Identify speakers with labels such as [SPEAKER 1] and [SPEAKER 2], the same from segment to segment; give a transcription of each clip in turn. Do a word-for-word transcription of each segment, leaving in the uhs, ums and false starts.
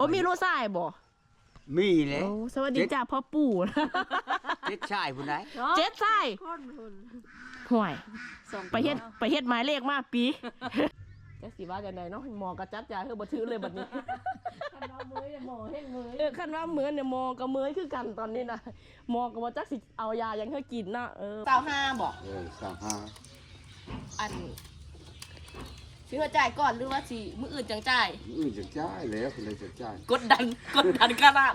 [SPEAKER 1] อ้มีลูกชายบ่
[SPEAKER 2] มีเลย
[SPEAKER 1] โอ้สวัสดีจ้าพ่อปู่
[SPEAKER 2] เจ็ดชายผู้ใด
[SPEAKER 1] เจ็ดชายห่วยไปเฮ็ดไปเฮ็ดหมายเลขมาปีจักสิว่าจังไดเนาะหมอก็จับยาเฮาบ่ถือเลยบัดนี้คันว่ามื้อเนี่ยหมอเฮ็ดมื้อเออคันว่ามื้อเนี่ยหมอก็มื้อคือกันตอนนี้น่ะหมอก็บ่จักสิเอายาหยังให้กินเนาะเออยี่สิบห้าบ่
[SPEAKER 2] เออสามห้า
[SPEAKER 1] อันสิว่าจ่ายก่อนหรือว่าสิมื้ออื่นจังจ่าย
[SPEAKER 2] อื่นจะจ่ายแล้วคนใดจะจ่าย
[SPEAKER 1] กดดันกดดันขนาด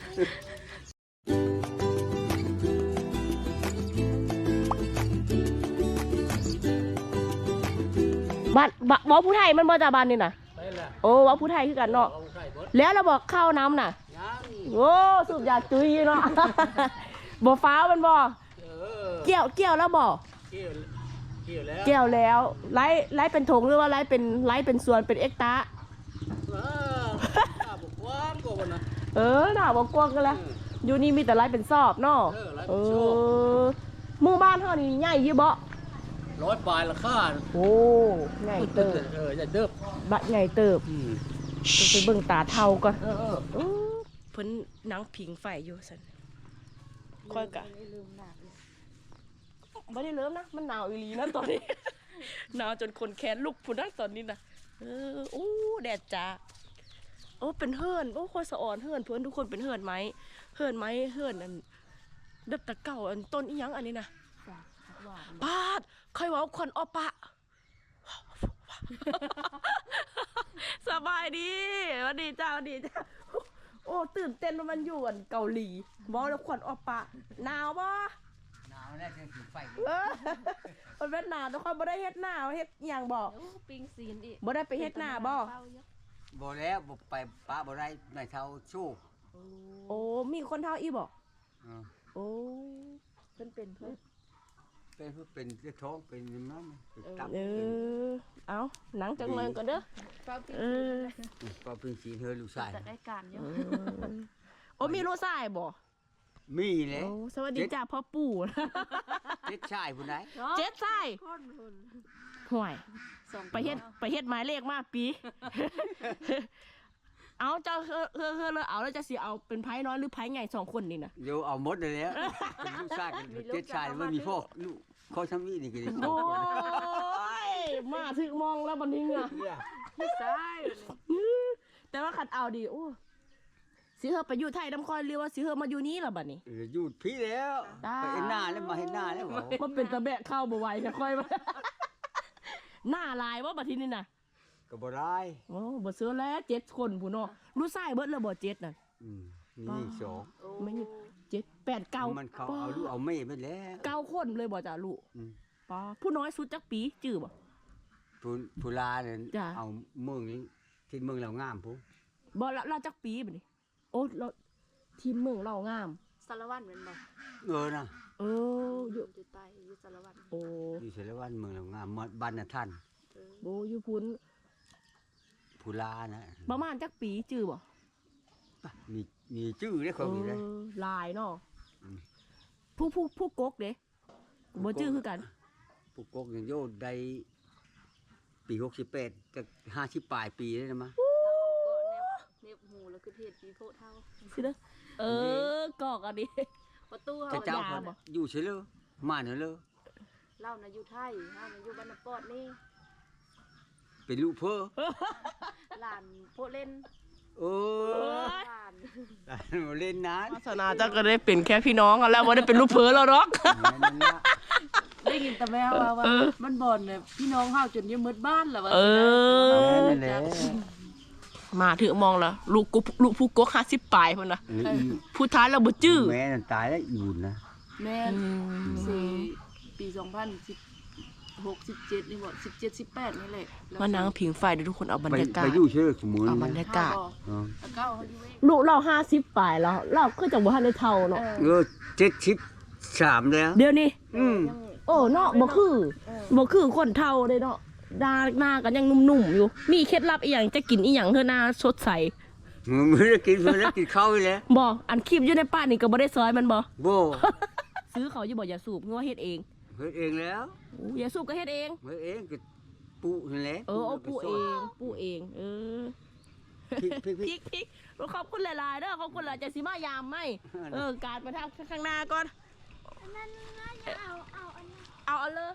[SPEAKER 1] บ้านบ้านว่าผู้ไทยมันบ่จ่าบ้านนี่น่ะโอ้ว่าผู้ไทยคือกันเนาะแล้วเราบอกเข้าน้ำน่ะโอ้สูบยาจุ้ยเนาะบ่ฟ้ามันบ่เกี่ยวเกี่ยวแล้วบ่เกี่ยวแล้วไล่ไล่เป็นถงหรือว่าไล่เป็นไล่เป็นส่วนเป็นเอ็กตาเออหน้าบอกกว้างกันแล้วอยู่นี่มีแต่ไล่เป็นซอบเนาะเออหมู่บ้านเท่านี้ใหญ่ยี่บ่
[SPEAKER 3] ร้อยปลายละค่า
[SPEAKER 1] โอ้ใหญ่เติบ
[SPEAKER 3] เออใหญ่เติบ
[SPEAKER 1] บัดใหญ่เติบไปเบิ่งตาเท่าก่อน
[SPEAKER 3] เออเออ
[SPEAKER 1] เพิ่นนังผิงไฟอยู่ซั่นค่อยกะไม่ได้เริ่มนะมันหนาวอีหลีนะตอนนี้ หนาวจนคนแขนลุกพุ่นนะตอนนี้นะเออโอ้แดดจ้าโอ้เป็นเฮิร์นโอ้คนสะอ่อนเฮิร์นเพื่อนทุกคนเป็นเฮิร์นไหมเฮิร์นไหมเฮิร์นอันเด็บตะเก่าอันต้นอีหยังอันนี้นะปาดใครว่าควันออปะ สบายดีวันดีจ้าวันดีจ้าโอ้ตื่นเต้นว่ามันอยู่อันเกาหลีบอกแล้วควันออปะหนาวบ่
[SPEAKER 2] หนาวแน่จะถือไฟ
[SPEAKER 1] มันเป็นหนาวแต่คนบ่ได้เฮ็ดหน้าเฮ็ดอย่างบ่
[SPEAKER 4] ปิงซีนอีก
[SPEAKER 1] บ่ได้ไปเฮ็ดหน้าบ่
[SPEAKER 2] บ่แล้วบ่ไปป้าบ่ได้ในเท่าชู้
[SPEAKER 1] โอ้มีคนเท่าอีบ่
[SPEAKER 2] อ๋อ
[SPEAKER 1] โอ้เพิ่นเป็นเพิ่น
[SPEAKER 2] เป็นเพิ่นเป็นเจ้าท้องเป็นนั่นเป็นตับ
[SPEAKER 1] เออเอาหนังจังเลยก่อนเด้อเออ
[SPEAKER 2] ป้าเพิ่งสีเธอลูกชาย
[SPEAKER 4] จะได้การอยู่
[SPEAKER 1] โอ้มีลูกชายบ่
[SPEAKER 2] มีเลย
[SPEAKER 1] สวัสดีจ้าพ่อปู่
[SPEAKER 2] เจ็ดชายผู้ใด
[SPEAKER 1] เจ็ดชายห่วยไปเฮ็ดไปเฮ็ดหมายเลขมาปีเอาเจ้าเฮ้อเฮ้อเฮ้อเลยเอาแล้วจะสิเอาเป็นไพ่น้อยหรือไพ่ใหญ่สองคนนี่นะ
[SPEAKER 2] เดี๋ยวเอาหมดเลยแล้วเป็นลูกชายกันเจ็ดชายมันมีพ่อลูกเขาทำนี่นี่กัน
[SPEAKER 1] โอ้ยมาถึงมองแล้วบันนี้อ่ะ
[SPEAKER 4] พี่ชาย
[SPEAKER 1] แต่ว่าขัดเอาดีโอ้สิเฮอไปอยู่ไทยน้ำคอยเรียกว่าสิเฮอมาอยู่นี้ล่ะบัดนี้
[SPEAKER 2] อยู่พี่แล้วไปเห็นหน้าแล้วมาเห็นหน้าแล้ว
[SPEAKER 1] มันเป็นตะแบะเข้าบ่ไหวค่ะค่อยมาหน้าลายว่าบัดทีนี่น่ะ
[SPEAKER 2] ก็บ่ได้
[SPEAKER 1] โอ้บ่เสือแล้วเจ็ดคนผู้น้อรู้ไส้เบิดแล้วบ่เจ็ดน่ะ
[SPEAKER 2] อืมนี่สอง
[SPEAKER 1] ไม่เจ็ดแปดเก้า
[SPEAKER 2] มันเขาเอาลูกเอาแม่ไปแล้ว
[SPEAKER 1] เก้าคนเลยบ่จ้ะลูกป้าผู้น้อยสุดจักปีจื้อบ่
[SPEAKER 2] ผู้ผู้ลาเนี่ยเอาเมืองนี้ที่เมืองเรางามผู้
[SPEAKER 1] บ่ละเราจักปีบัดนี้โอ้เราทีมเมืองเรางาม
[SPEAKER 4] สารวัตรเป็นบ่
[SPEAKER 2] เออนะ
[SPEAKER 1] เอออยู่
[SPEAKER 4] อยู่ใต้อยู่สารวัตร
[SPEAKER 1] โอ้
[SPEAKER 2] อยู่สารวัตรเมืองเรางามบ้านน่ะท่าน
[SPEAKER 1] โบอยู่พุ่น
[SPEAKER 2] ผู้ลานะ
[SPEAKER 1] ประมาณจักปีจื้อบ่
[SPEAKER 2] มีมีชื่อได้คนมีได้
[SPEAKER 1] ลายเนาะผู้ผู้ผู้กกเด้บ่จื้อคือกัน
[SPEAKER 2] ผู้กกอย่างโยดได้ปีหกสิบแปดจะห้าสิบปลายปีได้นะมั้ย
[SPEAKER 4] เน็บหูแล้วคือเทศปีโพเท่า
[SPEAKER 1] สิเด้อเออกอกอันนี้
[SPEAKER 4] ประตู
[SPEAKER 2] เฮาเจ้าอยู่เฉยเลยมาเถอะเลย
[SPEAKER 4] เล่าน่ะอยู่ไทยเฮาน่ะอยู่บ้านนปอดนี่
[SPEAKER 2] เป็นลูกเพ้อ
[SPEAKER 4] หลานโพเล่น
[SPEAKER 2] โอ้ยหลานเล่นนาน
[SPEAKER 1] ศาสนาเจ้าก็ได้เป็นแค่พี่น้องกันแล้วบ่ได้เป็นลูกเพ้อแล้วหรอก
[SPEAKER 4] ได้ยินแต่แม่ว่าว่ามันบ่อนเนี่ยพี่น้องเฮาจนยังมืดบ้านแล้วว่า
[SPEAKER 1] เออมาถือมองแล้วลูกกูลูกผู้กกห้าสิบปลายพุ่นน่ะผู้ท้ายเราบ่จื้อ
[SPEAKER 2] แม่นั่นตายแล้วอีบุญนะ
[SPEAKER 4] แม่สี่ปีสองพันสิบหก สิบเจ็ดนี่บ่สิบเจ็ด สิบแปดนี่แหละ
[SPEAKER 1] มานั่งผิงไฟเดี๋ยวทุกคนเอาบรรยากาศ
[SPEAKER 2] ไปอยู่เชื่อสมุน
[SPEAKER 1] เอาบรรยากาศ
[SPEAKER 4] เก้าเฮาอยู่
[SPEAKER 1] ลูกเราห้าสิบปลายแล้วเราคือจังบ่ทันได้เท่าเนาะ
[SPEAKER 2] เออเจ็ดสิบสามแล้ว
[SPEAKER 1] เดี๋ยวนี้
[SPEAKER 2] อืม
[SPEAKER 1] โอ้เนาะบ่คือบ่คือคนเท่าเด้เนาะดาหน้ากันยังนุ่มๆอยู่มีเคล็ดลับอีหยังจะกินอีหยังเพื่อหน้าสดใส
[SPEAKER 2] มื้อได้กินเพิ่นแล้วกินข้าวอีแล้ว
[SPEAKER 1] บ่อันคลิปอยู่ในป้านี่ก็บ่ได้ซอยมันบ่
[SPEAKER 2] บ่
[SPEAKER 1] ซื้อเขาอยู่บ่อย่าสูบงัวเฮ็ดเอง
[SPEAKER 2] เฮ็ดเองแล้ว
[SPEAKER 1] โอ้อย่าสูบก็เฮ็ดเอง
[SPEAKER 2] เฮ็ดเองก็ปูนั่นแหละ
[SPEAKER 1] เออเอาปูเองปูเองเออ
[SPEAKER 2] พริกพริก
[SPEAKER 1] พ
[SPEAKER 2] พ
[SPEAKER 1] ริ
[SPEAKER 2] ริ
[SPEAKER 1] ก
[SPEAKER 2] ก
[SPEAKER 1] พริกขอบคุณหลายๆเด้อขอบคุณหลายจะสิมายามไหมเออการไปทางข้างหน้าก่อน
[SPEAKER 5] นั่นน่าจะเอาเอาอันนั้น
[SPEAKER 1] เอาเอาเลย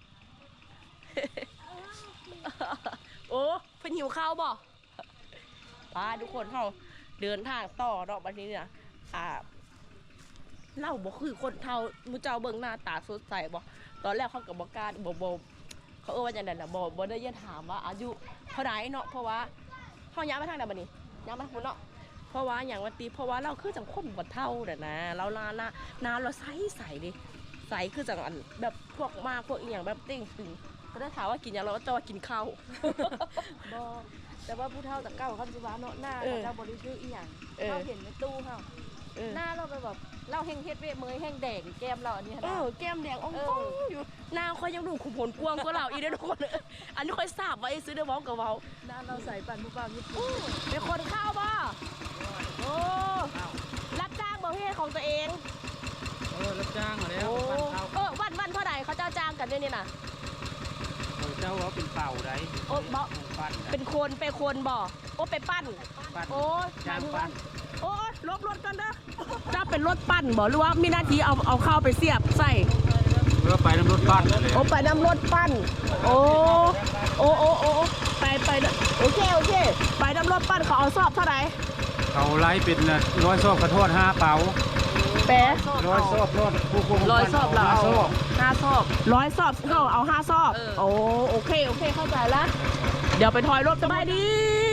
[SPEAKER 1] โอ้เพิ่นหิวข้าวบ่ป้าทุกคนเขาเดินทางต่อเนาะบัดนี้เนี่ยอ่าเล่าบ่คือคนเท่ามูเจ้าเบิ่งหน้าตาสดใสบ่ตอนแรกเขากับบ่กล้าบ่บ่เขาเอ่ยว่าจังได๋ล่ะบ่บ่ได้ยินถามว่าอายุเท่าใดเนาะเพราะว่าเฮาย้ายมาทางใดบัดนี้ย้ายมาทางพุ่นเนาะเพราะว่าอย่างว่าติเพราะว่าเราคือจังคนบ่เท่าเด้อนะเราหน้าหน้าหน้าเราใสใสดิใสคือจังอันแบบพวกมากพวกอีหยังแบบเต้งตึงก็ได้ถามว่ากินหยังเราก็จะว่ากินข้าว
[SPEAKER 4] บ่แต่ว่าผู้เฒ่าแต่เก่าเขาสิว่าเนาะหน้า
[SPEAKER 1] เออ
[SPEAKER 4] เราบ่ได้ซื้ออีหยัง
[SPEAKER 1] เออ
[SPEAKER 4] เราเห็นในตู้เฮา
[SPEAKER 1] เออ
[SPEAKER 4] หน้าเราไปแบบเราแห้งเฮ็ดเวทเมยแห้งแดงแก้มเราอันนี้
[SPEAKER 1] เอ
[SPEAKER 4] นะ
[SPEAKER 1] อแก้มแดงอ่อง
[SPEAKER 4] เอ
[SPEAKER 1] ฟ
[SPEAKER 4] อ
[SPEAKER 1] องอยู่หน้าค่อยยังดูขุมผลกวางกว่าเราอีกเด้อทุกคน อันนี้ค่อยทราบไว้ซื้อเด้อเว้ากับเว้า
[SPEAKER 4] หน้าเราใส่ปั่นผู้บ่าวญี่ปุ่น
[SPEAKER 1] เป็นคนข้าวบ่โอ้รับจ้างบ่พี่ของตัวเอง
[SPEAKER 3] เออรับจ้างมาแล้ว
[SPEAKER 1] โอ้
[SPEAKER 3] ปั้นข้าว
[SPEAKER 1] เออวันวันเท่าไหร่เขาเจ้าจ้างกันเนี่ยนี่น่ะ
[SPEAKER 3] เออเจ้าว่าเป็นเป่าได้
[SPEAKER 1] โอ้บ่
[SPEAKER 3] ปั้น
[SPEAKER 1] เป็นคนไปคนบ่โอ้ไปปั้น
[SPEAKER 3] ปั้น
[SPEAKER 1] โอ้
[SPEAKER 3] จ้างปั้น
[SPEAKER 1] โอ้ลบรถกันเด้อเจ้าเป็นรถปั้นบ่หรือว่ามีหน้าที่เอาเอาเข้าวไปเสียบใส่
[SPEAKER 3] เพื่อไปน้ำรถปั้นเลย
[SPEAKER 1] โอ้ไปนำรถปั้น โอ้โอ้โอ้โอ้ไปไปเด้อโอเคโอเค ไปนำรถปั้นเขาเอาสอบเท่าไหร่
[SPEAKER 3] เขาไล่เป็นร้อยซอบกระโทษห้าเป๋า
[SPEAKER 1] แปะ
[SPEAKER 3] ร้อยซอบโทษผู้คุม
[SPEAKER 1] ร้อยสอบเรา
[SPEAKER 3] ห้า
[SPEAKER 1] เอา
[SPEAKER 3] ซอบ
[SPEAKER 1] ห้าสอบร้อยสอบเขาเอาห้าสอบ โอ้โอเคโอเคเข้าใจละเดี๋ยวไปถอยรถสบายดี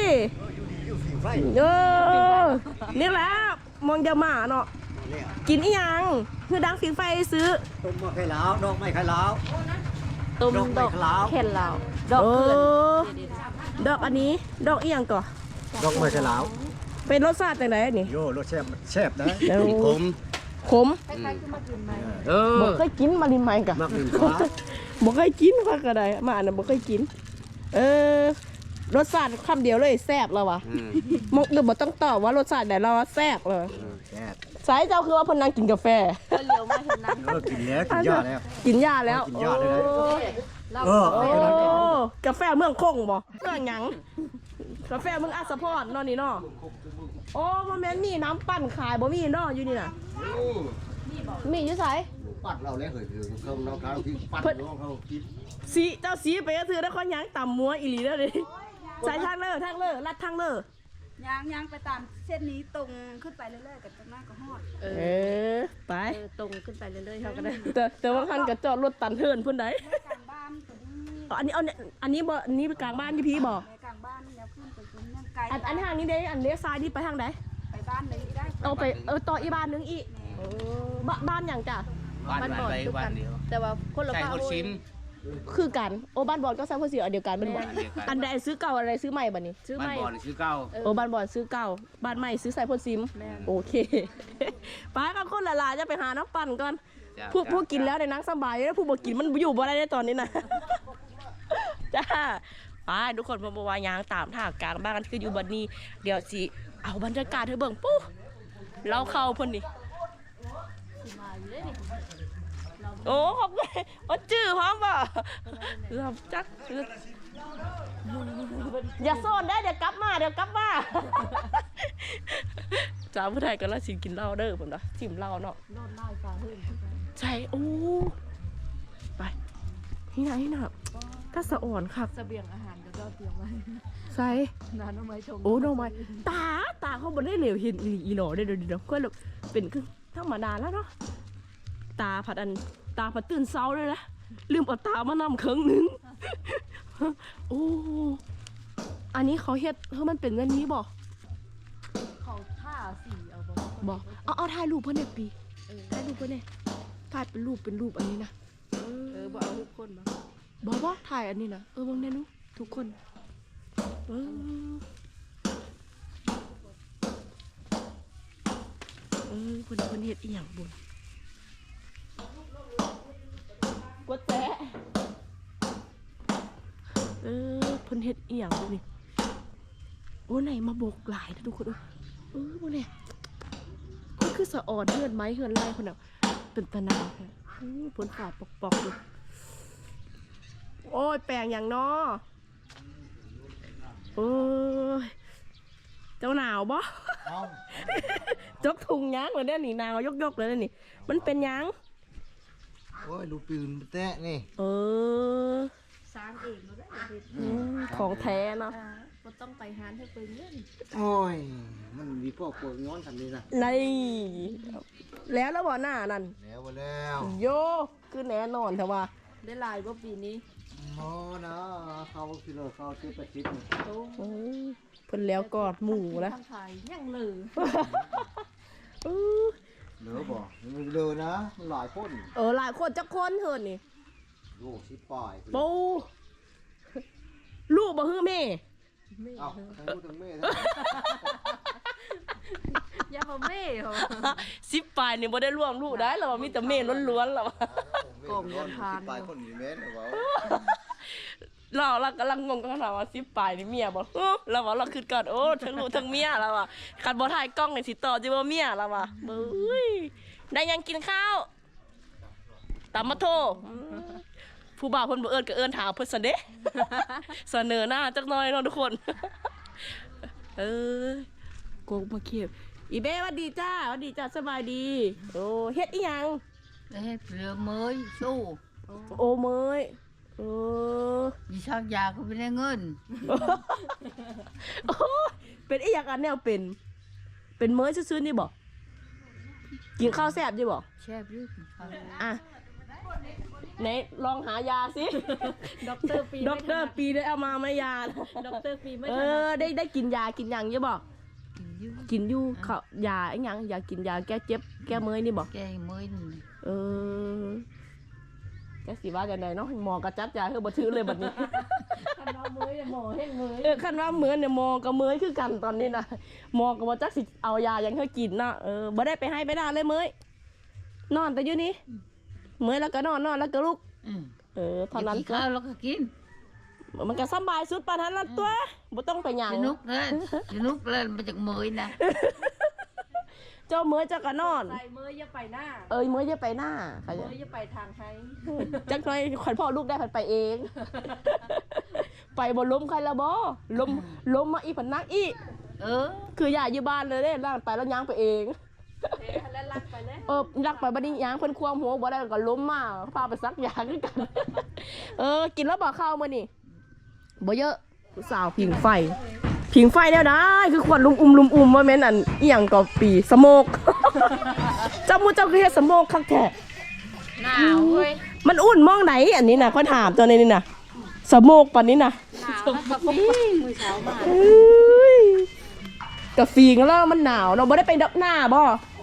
[SPEAKER 1] เออนี่แหละมองจะหมาเนาะกินอีหยังคือดังฟิงไฟซื้อ
[SPEAKER 2] ต้มมะไข่ลาวดอกไม้ไข่ลาว
[SPEAKER 1] ตุ้ม
[SPEAKER 2] ดอกไม้ขาว
[SPEAKER 1] เข็นเราดอกเกลือนดอกอันนี้ดอกอีหยังก่อ
[SPEAKER 2] ดอกไม้ไข่ลาว
[SPEAKER 1] เป็นรสชาติจังไดนี่
[SPEAKER 2] โย่รสแซ่บแซ่บนะ
[SPEAKER 1] เดี๋ยว
[SPEAKER 2] ขม
[SPEAKER 1] ขม
[SPEAKER 4] คล้ายๆคือมากินไหม
[SPEAKER 3] เออ
[SPEAKER 1] บ่เคยกินมาลินไหมกะ
[SPEAKER 2] มากหนึ่งฟ้า
[SPEAKER 1] บ่เคยกินพักกระไดมาอันนั้นบ่เคยกิน เออรสชาติคำเดียวเลยแซ่บแล้ววะ
[SPEAKER 2] อืม
[SPEAKER 1] มกหรือบ่ต้องตอบว่ารสชาติไหนเราว่าแซ่บเลย
[SPEAKER 2] เออแซ่บ
[SPEAKER 1] สายเจ้าคือว่าเพิ่นนั่งกินกาแฟ
[SPEAKER 4] เพิ่นเหลียวมาเห็นนั้น
[SPEAKER 2] เออกินแล้วกินยาแล้ว
[SPEAKER 1] กินยาแล้ว
[SPEAKER 2] กินยาเลยนะ
[SPEAKER 1] โอ้
[SPEAKER 4] เรา
[SPEAKER 2] เออ
[SPEAKER 1] โอ้
[SPEAKER 2] ไปกันแล้ว
[SPEAKER 1] กาแฟเมืองคงบ่เมืองหยังกาแฟเมืองอัสสะพรเนาะนี่เนาะโอ้บ่แม่นมีน้ำปั่นขายบ่มีเนาะอยู่นี่น่ะมีอยู่ไส
[SPEAKER 2] ปัดเราแล้วเหยคือเขาเราทางที่ปัดน้องเขากิน
[SPEAKER 1] สีเจ้าสีไปก็คือได้ข้อยหยังต่ำมัวอีหลีเด้อดิใส่ทางเลอทางเลอลัดทางเลอ
[SPEAKER 5] ยางยางไปตามเส้นนี้ตรงขึ้นไปเรื่อยๆกับตรงหน้าก็ฮอด
[SPEAKER 4] เอ
[SPEAKER 1] เอ
[SPEAKER 4] อ
[SPEAKER 1] อไป
[SPEAKER 4] เออตรงขึ้นไปเรื่อยๆเขาก็ได้
[SPEAKER 1] แต่แต่ว่าคันกับจอดรถตันเทินพุ่นใด
[SPEAKER 5] แม่กลางบ้านตัวนี้
[SPEAKER 1] อ๋ออันนี้เอาเนี่ยอันนี้บ่อันนี้ไปกลางบ้านที่พี่บอก
[SPEAKER 5] แม่กลางบ้านแล้วขึ้นไปตรงนี้ไกล
[SPEAKER 1] อันอันทางนี้เด้อันเลี้ยวซ้ายนี่ไปทางไหน
[SPEAKER 5] ไปบ้านเลยได้
[SPEAKER 1] เอาไปเออต่ออีบ้านนึงอีกเออบ้านบ้านอย่างจ้ะ
[SPEAKER 3] บ้านบ้านไปบ้านเดียว
[SPEAKER 4] แต่ว่าคนละ
[SPEAKER 3] ใช่
[SPEAKER 4] บ้า
[SPEAKER 3] คนชิม
[SPEAKER 1] คือกันโอ้บ้านบอลก็ใส่เพื่อสีอันเดียวกันเป็นบอล
[SPEAKER 3] อันเดียวกัน
[SPEAKER 1] อันใดซื้อเก่าอันใดซื้อใหม่บัดนี้
[SPEAKER 4] ซื้อ
[SPEAKER 3] บ้าน
[SPEAKER 4] ไม่
[SPEAKER 3] บ่อนี่ชื่อเก้า
[SPEAKER 1] โอ้บ้านบอลซื้อเก่าบ้านใหม่ซื้อใส่พ่นซิม
[SPEAKER 4] แม่น
[SPEAKER 1] โอเค ไปกันคนละลายจะไปหาน้ำปั่นก่อน
[SPEAKER 3] จ้ะ
[SPEAKER 1] ผู้
[SPEAKER 3] จ้ะ
[SPEAKER 1] ผู้กินแล้วในนังสบายแล้วผู้บ่กินมันอยู่บ่ได้ในตอนนี้นะ จ้าไปทุกคนเพราะว่ายางตามทางกลางบ้านกันคืออยู่บัดนี้ เดี๋ยวสิเอาบรรยากาศเธอเบิ่งปุ๊บเราเข้าเพิ่นนี่โอ้ขอบคุณโอ้จื้อพร้อมป่ะรับจักอย่าโซนได้เดี๋ยวกลับมาเดี๋ยวกลับมา จ้าผู้ไทยกันแล้วสิกินเหล้าเด้อผมนะจิมเหล้าเนาะ
[SPEAKER 4] นอนไล่ฟ้าหื่น
[SPEAKER 1] ใช่โอ้ไปที่ไหนน่ะก็สะอ่อนครับ
[SPEAKER 4] เสบียงอาหารก็เตรียมไว้
[SPEAKER 1] ใส่
[SPEAKER 4] นานเอาไม้ชง
[SPEAKER 1] โอ้น้องไม้ตาตาเขาบนได้เหลวเห็นอีอีหลอได้เดี๋ยวเดี๋ยวก็แบบเป็นคือธรรมดาแล้วเนาะตาผัดอันตาผัดตื่นเช้าเลยนะลืมเอาตามานำเครื่องหนึง โอ้อันนี้เขาเฮ็ดเฮ้ยมันเป็นแบบนี้บ่
[SPEAKER 4] เขาท่าสีเอาบ่
[SPEAKER 1] บ่เอาเอาถ่ายรูปเพื่อนเนี่ยปี
[SPEAKER 4] เออ
[SPEAKER 1] ถ่ายรูปเพื่อนเนี่ยถ่ายเป็นรูปเป็นรูปอันนี้นะ
[SPEAKER 4] เออบ่เอาทุกคนมา
[SPEAKER 1] บ่บ่ถ่ายอันนี้นะเออบางแน่นุทุกคนเออเออเพิ่นเพิ่นเฮ็ดอีหยังบุญกดแจ๊ะเออเพิ่นเฮ็ดอีหยังบุญนี่โอ้ไหนมาบกหลายนะทุกคนเออเออบ่เนี่ยมันคือสะอ่อนเฮือนไม้เฮือนไร่คนน่ะเป็นตะนาวแท้อื้อเพิ่นฝาดปอกๆดูโอ้ยแปลงอย่างน้อโอ้ยเจ้าหนาวบ่ จกถุงยักเลยเนี่ยนี่หนาวยกๆเลยนี่มันเป็นยัง
[SPEAKER 6] โอ้ยดูปืนแตะนี่
[SPEAKER 1] เออ
[SPEAKER 4] สร้างเองบ่ได้เฮ็ด
[SPEAKER 1] อืมของแท้เนาะ
[SPEAKER 4] อ่าบ่ต้องไปหาให้เพิ่นเงิน
[SPEAKER 6] โอ้ยมันมีพวกปวดย้อนทำนี่นะ
[SPEAKER 1] ในแล้วแล้วบ่หน้านั่น
[SPEAKER 6] แล้วมาแล้ว
[SPEAKER 1] โยคือแน่นอนแต่ว่า
[SPEAKER 4] ได้หลายบ่ปีนี้
[SPEAKER 6] โอ้นะเขาคิโลเขาเจ็บประชิดนี่
[SPEAKER 4] โต
[SPEAKER 1] เออเพิ่นแล้วกอดหมูแล้ว
[SPEAKER 4] ทางไทยยังเหลือ
[SPEAKER 1] เออ
[SPEAKER 6] เหลือบ่มันเหลือนะมันหลายคน
[SPEAKER 1] เออหลายคนจักคนเถินนี่
[SPEAKER 6] โอ้สิบปลาย
[SPEAKER 1] ปูลูกบ่ฮื้อแม่
[SPEAKER 6] เอ้าทั้งลูกทั้งแม่ทั้ง
[SPEAKER 4] อย่ามาแม่เหรอ
[SPEAKER 1] สิบปลายนี่บ่ได้ร่วมลูกได้แล้วว่ามีแต่แม่ล้วนๆแล้วว่า
[SPEAKER 4] กล่องเงินพาน
[SPEAKER 6] สิบปลายคนมีแม่หรือเปล่า
[SPEAKER 1] เราเรากำลังงงกันถามว่าสิบปลายนี่เมียบ่เออเราว่าเราคิดก่อนโอ้ทั้งลูกทั้งเมียแล้วว่ะคันบ่ถ่ายกล้องนี่สิต่อจิบ่เมียแล้วว่ะเบ้ยได้ยังกินข้าวตำมะโทอืมผู้บ่าวเพิ่นบ่เอิ้นก็เอิ้นถามเพิ่นซะเด้ เสนอหน้าจักหน่อยเนาะทุกคน เออโกงมาเขียบอีเบ้หวัดดีจ้าหวัดดีจ้าสบายดีโอ้เฮ็ดอีหยัง
[SPEAKER 7] Ê, vừa mới xu
[SPEAKER 1] โอ้เมยเออ
[SPEAKER 7] vì sao già của bên đây ngân
[SPEAKER 1] โอ้ยเป็นอีหยังอันแนวเป็น เป็นเมยซื่อๆนี่บ่กินข้าวแซ่บดิบ่
[SPEAKER 7] chép rước
[SPEAKER 1] อ่ะไหนลองหายาสิ
[SPEAKER 4] ด็อกเตอร์ปี
[SPEAKER 1] ด็อกเตอร์ปีได้เอามาไหมยา
[SPEAKER 4] ด็อกเตอร์ปีไม่
[SPEAKER 1] เอ
[SPEAKER 4] ทัน
[SPEAKER 1] อได้ได้กินยากินหยังอยู่บ่
[SPEAKER 7] dữ
[SPEAKER 1] กินอยู่เขายาไอ้หยังยากินยาแก้เจ็บแก้เมยนี่บ่
[SPEAKER 7] cái mới này.
[SPEAKER 1] เออแกสิว่าจังไดเนาะหมอกระจัดยาคือบ่ถือเลยบัดนี้
[SPEAKER 4] คันเอามือหมอเฮ็ดมือ
[SPEAKER 1] เออคันว่าเหมือนเนี่ยหมอกับเมยคือกันตอนนี้นะหมอก็บ่จักสิเอายาหยังให้กินเนาะเออบ่ได้ไปให้ไปได้เลยเมยนอนแต่อยู่นี่เมยแล้วก็นอนนอนแล้วก็ลุก
[SPEAKER 7] Ừ.
[SPEAKER 1] เออเท่านั้น
[SPEAKER 7] Thì
[SPEAKER 1] ก็
[SPEAKER 7] khao nó cái kín
[SPEAKER 1] มันก็สำบายสุดปานนั้นละตัวบ่ต้องไปหยัง
[SPEAKER 7] cái nút lên cái nút lên mà chặt mới nè
[SPEAKER 1] เจ้าเมยเจ้าก็นอน
[SPEAKER 4] ใส่มืออย่าไปหน้า
[SPEAKER 1] เอ้ยเมยอย่าไปหน้าเขา
[SPEAKER 4] มื
[SPEAKER 1] จะ
[SPEAKER 4] ออย่าไปทางไทย
[SPEAKER 1] จักหน่อยขวัญพ่อลูกได้ผันไปเอง ไปบ่ล้มใครละบ่ล้มล้มมาอีผันนักอี
[SPEAKER 7] ừ
[SPEAKER 1] คืออย่าอยู่บ้านเลยเด้ล่างไปแล้วย่างไปเอง
[SPEAKER 4] เอ๊ะแล้วลักไปแล้ว
[SPEAKER 1] เออรักไปบัดนี้ย่างเพิ่นควงหัวบ่ได้ก็ล้มมาพาไปซักยาคือกัน เออกินแล้วบ่ข้าวมื้อนี่บ่เยอะผู้สาวผิงไฟ ผิงไฟแล้วได้คือควันลุมอุ้มลุมอุ้มว่าแม่นอันอีหยังก็ปีสโมก เจ้ามูเจ้าคือเฮ็ดสโมกคักแท้
[SPEAKER 7] nào ơi
[SPEAKER 1] มันอุ่นมองไหนอันนี้น่ะค่อยถามตัวนี้นี่น่ะสโมกปานนี้น่ะ
[SPEAKER 7] nào nó cà phê
[SPEAKER 4] มือเช้ามา
[SPEAKER 1] เอ้ยกะฟีงแล้วมันหนาวเนาะบ่ได้ไปดับหน้าบ่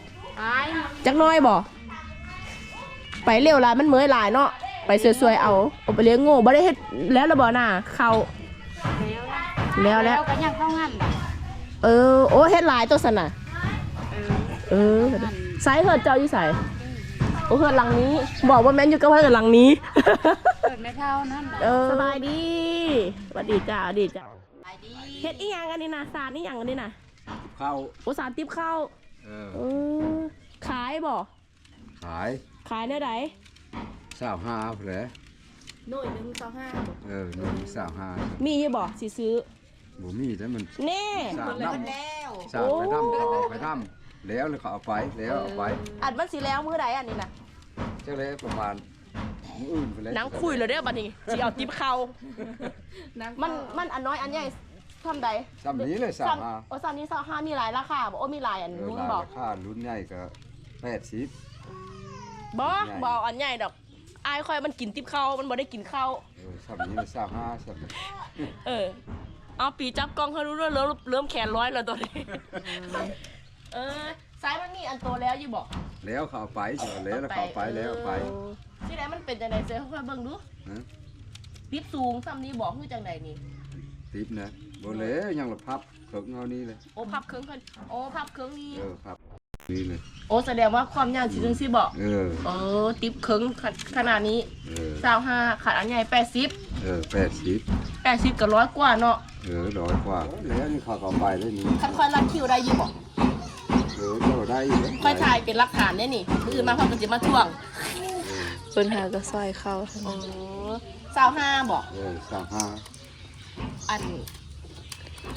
[SPEAKER 7] ai
[SPEAKER 1] จักหน้อยบ่ไปเร็วหลายมันเมื่อยหลายเนาะไปสวยๆเอาเอาไปเลี้ยงโง่บ่ได้เฮ็ดแล้วละบ่น่ะเข้าแล้วแล้ว
[SPEAKER 7] cả nhà không ăn
[SPEAKER 1] เออโอ้เฮ็ดหลายตัวสั่นน่ะเออไสเฮ็ดเจ้าอยู่ไสโอ้เฮ็ดหลังนี้ บอกว่าแม่นอยู่กับเฮ็ดหลังนี้
[SPEAKER 7] rồi mẹ thao nó
[SPEAKER 1] เออสบายดีสวัสดีจ้าสวัสดีจ้า
[SPEAKER 7] lại đi
[SPEAKER 1] เฮ็ดอีหยังอันนี้น่ะสารอีหยังอันนี้น่ะ
[SPEAKER 3] เข้า
[SPEAKER 1] โอ้สารติ๊บข้าว
[SPEAKER 3] เออ
[SPEAKER 1] เออขายบ่
[SPEAKER 3] ขาย
[SPEAKER 1] ขายได้ได
[SPEAKER 3] สาวห้าแผล
[SPEAKER 4] หน่วยหนึ่งต่อห้า
[SPEAKER 3] เออหนึ่งสาวห้า
[SPEAKER 1] มีอยู่บ่สิซื้อ
[SPEAKER 3] บ่มีแล้วมัน
[SPEAKER 1] แน่
[SPEAKER 3] สาวน้
[SPEAKER 7] leo
[SPEAKER 3] ำสาวไปน้ำเขาเอาไปน้ำแล้วเลยเขาเอาไปแล้วเอาไป
[SPEAKER 1] อัดมันสิแล้วมื้อใดอันนี้น่ะ
[SPEAKER 3] เจ้าเลยประมาณมื้ออื่นไปแล้ว
[SPEAKER 1] หนังคุยเลยเด้อบัดนี้สิเอาติ๊บข้าว
[SPEAKER 4] นั่ง
[SPEAKER 1] มันมันอันน้อยอันใหญ่ทำใด
[SPEAKER 3] ซ้ำนี้เลยสาวห้า
[SPEAKER 1] โอ้ซามนี้ซาห้ามีหลายราคาบ่โอ้มีหลายอัน
[SPEAKER 3] เออ
[SPEAKER 1] รุ่น
[SPEAKER 3] รา
[SPEAKER 1] บ่
[SPEAKER 3] คารุ่นใหญ่ก็แปดสิบ
[SPEAKER 1] บ่
[SPEAKER 3] ใหญ่
[SPEAKER 1] บ่เอาอันใหญ่ดอกอายค่อยมันกินติ๊บข้าวมันบ่ได้กินข้าว
[SPEAKER 3] เออซ้ำนี้เลยสาวห้าซ้ำนี้
[SPEAKER 1] เออเอาปีจับกล้องให้รู้เรื่องเริ่มเริ่มแขนร้อยแล้วตัวนี้ เออซ้ายมันมีอันโตแล้วอยู่บ่
[SPEAKER 3] แล้วเขาเอาไปเดี๋ยวแล้วแล้วเขาเอาไปแล้วเอาไป
[SPEAKER 1] เออที่ไหนมันเป็นจังไดเซ่ค่อยๆเบิ่งดู
[SPEAKER 3] ฮะ
[SPEAKER 1] ติ๊บสูงซ้ำนี้บอกคือจังไดนี่
[SPEAKER 3] ติบนะบ่แล้วยังละพับเขิงเอานี่เลย
[SPEAKER 1] โอ้พับเครื่องกันโอ้พับเครื่องนี้
[SPEAKER 3] เออพับนี่เลย
[SPEAKER 1] โอ้แสดงว่าความยาวสิจังซี่บ่
[SPEAKER 3] เออ
[SPEAKER 1] เออติ๊บเครื่องขนขนาดนี้
[SPEAKER 3] เออ
[SPEAKER 1] สาวห้าขาดอันใหญ่แปดสิบ
[SPEAKER 3] เออแปดสิบ
[SPEAKER 1] แปดสิบกับร้อยกว่าเนาะ
[SPEAKER 3] เออร้อยกว่าแล้วนี่เขาก็เอาไปแล้วนี่
[SPEAKER 1] คันค่อยรัดคิวได้อยู่บ่
[SPEAKER 3] เออก็ได้อยู่แล้ว
[SPEAKER 1] ค่อยถ่ายเป็นหลักฐานได้นี่มืออื่นมาเขาก็จะมาท่วงเพิ่นหาก็ซอยเข้าอ๋อสาวห้าบ่
[SPEAKER 3] เออสามห้า
[SPEAKER 1] อันสิ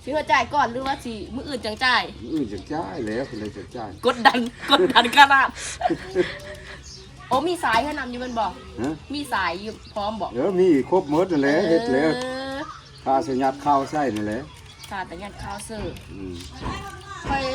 [SPEAKER 1] สิเขาจ่ายก่อนหรือว่าสิมื้ออื่นจังจ่าย
[SPEAKER 3] อื่นจะจ่ายแล้วคือเลยจะจ่าย
[SPEAKER 1] กดดันกดดันขนาดโอ้มีสายให้นำอยู่แมันบ่
[SPEAKER 3] ฮะ
[SPEAKER 1] มีสายอยู่พร้อมบ่
[SPEAKER 3] เออมีครบหมดนั่นแหละเฮ็ดแล้ว
[SPEAKER 1] เออ
[SPEAKER 3] ข้าสัญญาข้าวใส่นั่นแหละ
[SPEAKER 1] ขาดแต่ยัดข้าวเสิร์ฟ
[SPEAKER 3] อืม
[SPEAKER 1] ค่อย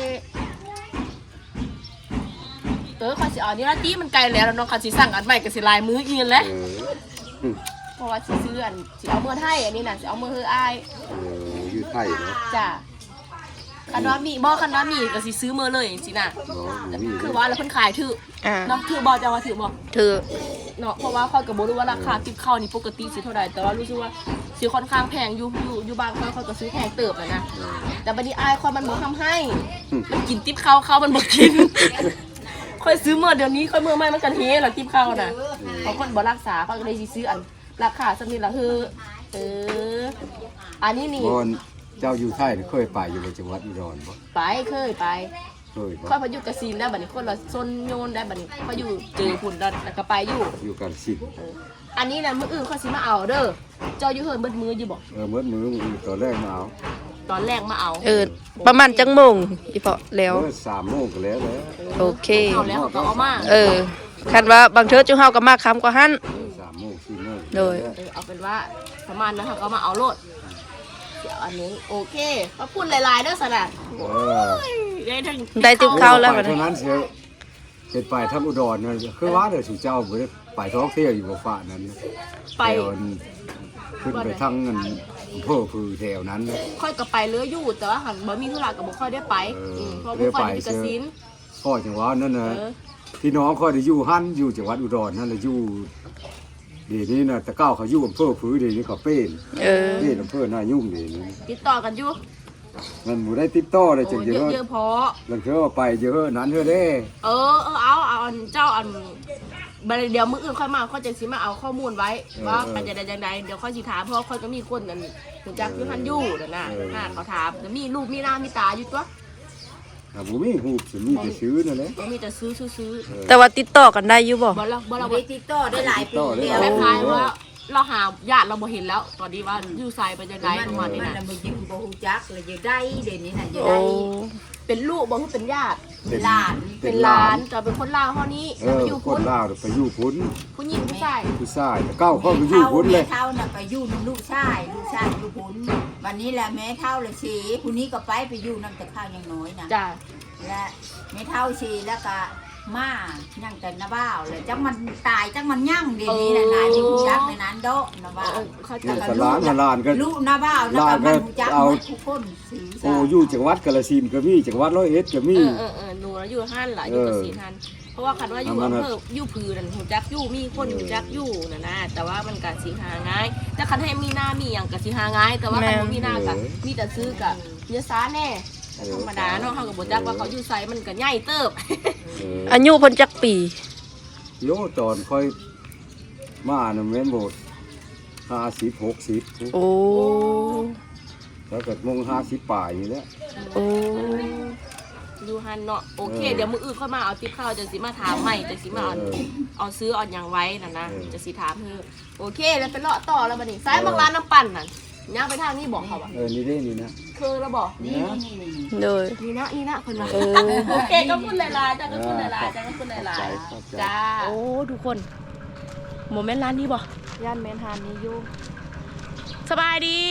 [SPEAKER 1] เออค่อยสิเอานี่ละตีมันไกลแล้วแล้วเนาะคันสิสั่งอันใหม่ก็สิลายมื้ออีนแหล้ว
[SPEAKER 3] เออ
[SPEAKER 1] เพราะว่าสิซื้ออันสิเอามื้อไทยอันนี้น่ะสิเอามื้อเฮืออ้าย
[SPEAKER 3] เอออยู่ไทยเนาะ
[SPEAKER 1] จ้ะคันว่ามีบ่คันว่ามีก็สิซื้อมื้อเลยจังซี่น่ะ
[SPEAKER 3] เนาะบ่มี
[SPEAKER 1] คือว่าแล้วเพิ่นขายถือ
[SPEAKER 7] อ่า
[SPEAKER 1] เนาะถือบ่จะว่าถือบ่
[SPEAKER 7] ถือ
[SPEAKER 1] เนาะเพราะว่าค่อยก็บ่รู้ว่าราคาติบข้าวนี่ปกติสิเท่าใดแต่ว่ารู้สึกว่าสิค่อนข้างแพงอยู่อยู่อยู่บ้านค่อยค่อยก็ซื้อแพงเติบแล้วนะแต่บัดนี้อายค่อยมันบ่ทำให้มันกินติบข้าวข้าวมันบ่กิน ค่อยซื้อเมื่อเดี๋ยวนี้ค่อยเมื่อไม่มันกันเฮแล้วติบข้าวน่ะบางคนบ่รักษาค่อยก็เลยสิซื้ออันราคาสักนิดละคือเอออันนี้นี่
[SPEAKER 3] บ่เจ้าอยู่ไทยนี่เคยไปอยู่ในจังหวัดอุดรบ่
[SPEAKER 1] ไปเคยไป
[SPEAKER 3] เคยบ่
[SPEAKER 1] ค่อยพายุกระซีนได้บัดนี้คนละซนโยนได้บัดนี้พายุเจอพุ่นแล้วแล้วก็ไปอยู่
[SPEAKER 3] อยู่กันสิบ
[SPEAKER 1] เอออันนี้นะมื้ออื่นเขาสิมาเอาเด้อเจ้าอยู่เฮิรนเบิดมืออยู่บอก
[SPEAKER 3] เออเมื่อมือมือตอนแรกมาเอา
[SPEAKER 1] ตอนแรกมาเอา
[SPEAKER 7] เออประมาณจังโมงอีพอแล้ว
[SPEAKER 3] เมื่อสามโมงก็แล้วแล้ว
[SPEAKER 7] โอเค
[SPEAKER 1] เอาแล้วเขาก็เอามา
[SPEAKER 7] เออคันว่าบางเทื่อจุเฮาก็มาค้ำกว่าหั่น
[SPEAKER 3] เออสามโมงสี่โมง
[SPEAKER 7] โดย
[SPEAKER 1] เออเอาเป็นว่าประมาณนั้นเขาก็มาเอาโลดเดี๋ยวอันนี้โอเคมาพูดหลายๆเด้อสนะ
[SPEAKER 3] เออ
[SPEAKER 1] ได้ทั้ง
[SPEAKER 7] ได้ติ๊บข้าวแล้ว
[SPEAKER 3] ไป
[SPEAKER 7] บัดนี้
[SPEAKER 3] เท่านั้นเสียเป็นไปทั้งอุดรนั่นคือว่าเดี๋ยวสู่เจ้าบ่ได้ไปท่องเที่ยวอยู่บ่ฟ้านั้น
[SPEAKER 1] ไป
[SPEAKER 3] แถวนั้นขึ้นไปทั้งเงินอำเภอพือแถวนั้นนะ
[SPEAKER 1] ค่อยก็ไปเรืออยู่แต่ว่าหันบ่มีธุระกับบ่ค่อยได้ไป
[SPEAKER 3] เอออื
[SPEAKER 1] มเพราะบ่ค่อยได้ไปกระสิน
[SPEAKER 3] พ่อจังหวัดนั่นนะ
[SPEAKER 1] เออ
[SPEAKER 3] พี่น้องค่อยได้อยู่หั่นอยู่จังหวัดอุดรนั่นแหละอยู่เดี๋ยวนี้นะแต่เก้าเขาอยู่อำเภอพือเดี๋ยวนี้เขาเป็น
[SPEAKER 7] เออ
[SPEAKER 3] เป็นอำเภอหน้ายุ่งเดี๋ยวนี้
[SPEAKER 1] ติดต่อกันอยู่
[SPEAKER 3] มันบ่ได้ติดต่อเลยจัง
[SPEAKER 1] โอ้
[SPEAKER 3] เย
[SPEAKER 1] เยอะ
[SPEAKER 3] อะ
[SPEAKER 1] เยอะพอ
[SPEAKER 3] ลังเทื่อว่าไปเยอะนั้นเทื่อเด้
[SPEAKER 1] เออเออเอาเอาอันเจ้าอันบัดเดี๋ยวมื้ออื่นค่อยมาค่อยจะสิมาเอาข้อมูลไว้ว่าเป็นจะได้จังใดเดี๋ยวค่อยสิถามเพราะค่อยก็มีคนนั่นรู้จักอยู่หันอยู่นั่นน่ะน่ะเขาถามแล้วมีรูปมีหน้ามีตาอยู่ตัว
[SPEAKER 3] ถ้าบ่มีฮูบสิมีแต่ซื้อนั่นแหละ
[SPEAKER 1] บ่มีแต่ซื้อซื้อ
[SPEAKER 7] แต่ว่าติดต่อกันได้อยู่บ่
[SPEAKER 1] ๆบ่เราบ่เรา
[SPEAKER 5] ได้ติดต่อได้หลายปี
[SPEAKER 3] ต่อได้
[SPEAKER 5] แล้ว
[SPEAKER 1] คล้ายๆว่าเราหาญาติเราบ่เห็นแล้ว ตอนนี้ว่าอยู่ไสไปจังได
[SPEAKER 5] มัน
[SPEAKER 1] ประมาณนี้
[SPEAKER 5] มัน
[SPEAKER 1] นะ
[SPEAKER 5] น่ะบ่ยังบ่ฮู้จักเลยจะได้เดี๋ยวนี้น่ะจะ
[SPEAKER 7] โอ้
[SPEAKER 5] ได้
[SPEAKER 1] เป็นลูกบ่คือเป็นญาติ
[SPEAKER 3] เป็น
[SPEAKER 5] หลาน
[SPEAKER 1] เป็นหลานแต่เป็นคนลาวเฮานี้
[SPEAKER 3] เอ
[SPEAKER 1] แล้ว
[SPEAKER 3] อ
[SPEAKER 1] ไปอยู่
[SPEAKER 3] ค
[SPEAKER 1] พุ่
[SPEAKER 3] น
[SPEAKER 1] น
[SPEAKER 3] ลาวไปอยู่พุ้น
[SPEAKER 1] ผู้หญิงผู้ชาย
[SPEAKER 3] ผู้ชายแต่เก้าเขาไปอยู่พุ้นเลย
[SPEAKER 5] แม่เฒ่าน่ะไปอยู่นํลูกชายลูกชายอยู่พุ้นวันนี้แหละแม่เฒ่าเลยสิผู้นี้ก็ไปไปอยู่นํแต่ข้าวยังน้อยนะ
[SPEAKER 1] จ้ะ
[SPEAKER 5] และแม่เฒ่าสิแล้วก็มายังแต่นาบ้าวเลยจังมันตายจังมันยั่งเดี๋ยวนี้น่ะนายอยู่จักในนั้นโดะนาบ้าว
[SPEAKER 1] เออเขา
[SPEAKER 3] เนี่
[SPEAKER 1] จะ
[SPEAKER 3] ยแต่ร้านหลานก็
[SPEAKER 5] ลูกนาบ้าวแล้วก็มันรู้จัก
[SPEAKER 3] เอา
[SPEAKER 5] หมดทุกคนสิ
[SPEAKER 3] โอ้อยู่จังหวัดกาฬสินธุ์ก็มีจังหวัดร้อยเอ็ดก็มี
[SPEAKER 1] เออเออเออหนูนะอยู่หันล่ะอยู่กับ
[SPEAKER 3] เออ
[SPEAKER 1] สีหันเพราะว่าคันว่าอยู่
[SPEAKER 3] เอามา
[SPEAKER 1] อำเภออยู่พือนั่นหูจักอยู่มีคนหูจักอยู่น่ะนะแต่ว่ามันก็สิหาง่ายแต่คันให้มีหน้ามีหยังก็สิหาง่ายแต่ว่าคันบ่มีหน้าก็มีแต่ซื้อกับเนื้อซ้าแน่แต่ธรรมดาเนาะเฮาก็บ่จักว่าเขาอยู่ไสมันก็ใหญ่เติบ
[SPEAKER 3] เออ
[SPEAKER 7] อายุเพิ่นจักปี
[SPEAKER 3] โยตอนค่อยมาน่ะแม่นบ่ห้าสิบหกสิบ
[SPEAKER 7] โอ้
[SPEAKER 3] แล้วก็มงห้าสิบปลายนี่แหละ
[SPEAKER 7] โอ้
[SPEAKER 1] อยู่หันเนาะโอเค
[SPEAKER 3] เออ
[SPEAKER 1] เดี๋ยวมื้ออื่นค่อยมาเอาติ๊บข้าวจะสิมาถามใหม่จะสิมาเอา
[SPEAKER 3] เออ
[SPEAKER 1] เอาซื้อเอาหยังไว้น่ะนะ
[SPEAKER 3] เออ
[SPEAKER 1] จะสิถามเธอโอเคแล้วไปเลาะต่อแล้วบัดนี้ซ้ายบางร้านน้ำปั่นน่ะย่างไปทางนี้บอกเขาว่า
[SPEAKER 3] เออนี่เด้นี่นะ
[SPEAKER 1] คือแล้วบอก
[SPEAKER 3] นี่นะ
[SPEAKER 7] โดย
[SPEAKER 1] นี่นะนี่นะเพิ่นว่า
[SPEAKER 7] เออ
[SPEAKER 1] โอเคก็พูดหลายๆจ้าก็พูดหลายๆจ้าก็พูดหลาย
[SPEAKER 3] ขอบใจ
[SPEAKER 1] ๆจ้าโอ้ทุกคนโมเมนต์ร้านนี้บ่ย่านแมนทานนี้อยู่สบายดี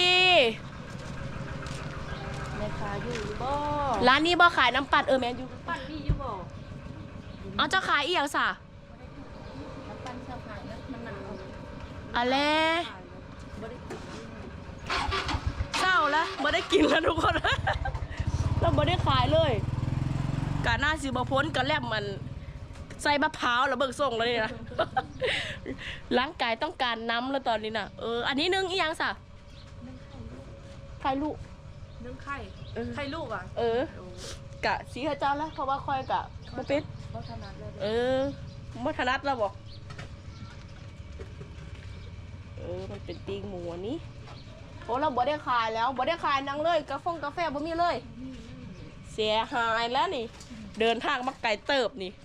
[SPEAKER 1] แม่ค้าอยู่บ่ร้านนี้บ่ขายน้ำปั่นเออแมนอยู่ปั่นมีอยู่บ่เอาเจ้าขายอีหยังซะน้ำปั่นเจ้าขายน้ำมันหนาวอะไรเศร้าแล้วบ่ได้กินแล้วทุกคน เราบ่ได้ขายเลยกะหน้าสิบ่พ้นกะแลบมันใส่มะพร้าวแล้วเบิกส่งแล้วนี่นะ ร่างกายต้องการน้ำแล้วตอนนี้น่ะเอออันนี้นึ่งอีหยังซะไข่ลูก
[SPEAKER 4] นึ่งไข่
[SPEAKER 1] เออ
[SPEAKER 4] ไข่ลูกอ่ะ
[SPEAKER 1] เออกะสีข้าเจ้าแล้วเพราะว่าค่อยกะบ่เป็น
[SPEAKER 4] บ่ถนัดเลย
[SPEAKER 1] เออบ่ถนัดแล้วบ่เออมันเป็นตีงหมูอันนี้โอ้เราบ่ได้ขายแล้วบ่ได้ขายนังเลยกาแฟกาแฟบ่มีเลย เสียหายแล้วนี่ เดินทางมาไกลเติบนี่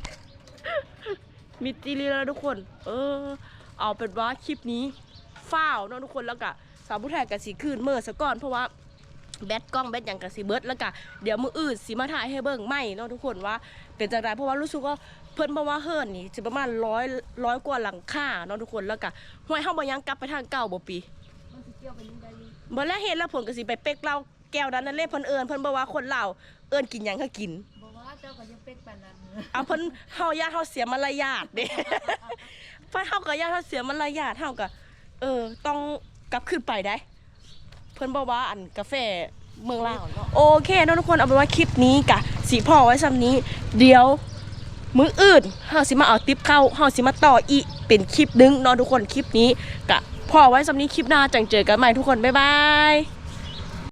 [SPEAKER 1] มีจีรีแล้วทุกคน เออ เอาเป็นว่าคลิปนี้ฝ้าวเนาะทุกคนแล้วก็สาวผู้แทนกับสีคืนเมื่อซะก่อนเพราะว่าแบตกล้องแบตหยังก็สิเบิดแล้วก็เดี๋ยวมื้ออื่นสิมาถ่ายให้เบิ่งใหม่เนาะทุกคนว่าเป็นจังไดเพราะว่ารู้สึกว่าเพิ่นบอกว่าเฮิรนนี่สิประมาณร้อย ร้อยกว่าหลังคาเนาะทุกคนแล้วก็ห้วยเฮาบ่ยังกลับไปทางเก่าบ่ปีบ่แล้วเห็นแล้วผมก็สิไปเป๊กเหล้าแก้วนั้นนั่นเลยเพิ่นเอิ้นเพิ่นบอกว่าคนลาวเอิ้นกินหยังก็กิน
[SPEAKER 4] บอกว่าเจ้าก็ยังเป็กปานนั้น
[SPEAKER 1] เอาเพิ่นเฮาญาติเฮาเสียมารยาทเด้ เพิ่นเฮาก็ญาติเฮาเสียมารยาทเฮาก็เออต้องกลับขึ้นไปได้ เพิ่นบอกว่าอันกาแฟเมืองลาวเนาะโอเคเนาะทุกคนเอาเป็นว่าคลิปนี้กะสิพอไว้ซ้ำนี้ เดี๋ยวมื้ออื่นเฮาสิมาเอาติ๊บเข้าเฮาสิมาต่ออีกเป็นคลิปนึงเนาะทุกคนคลิปนี้กะพอไว้ซ้ำนี้คลิปหน้าจังเจอกันใหม่ทุกคนบ๊ายบาย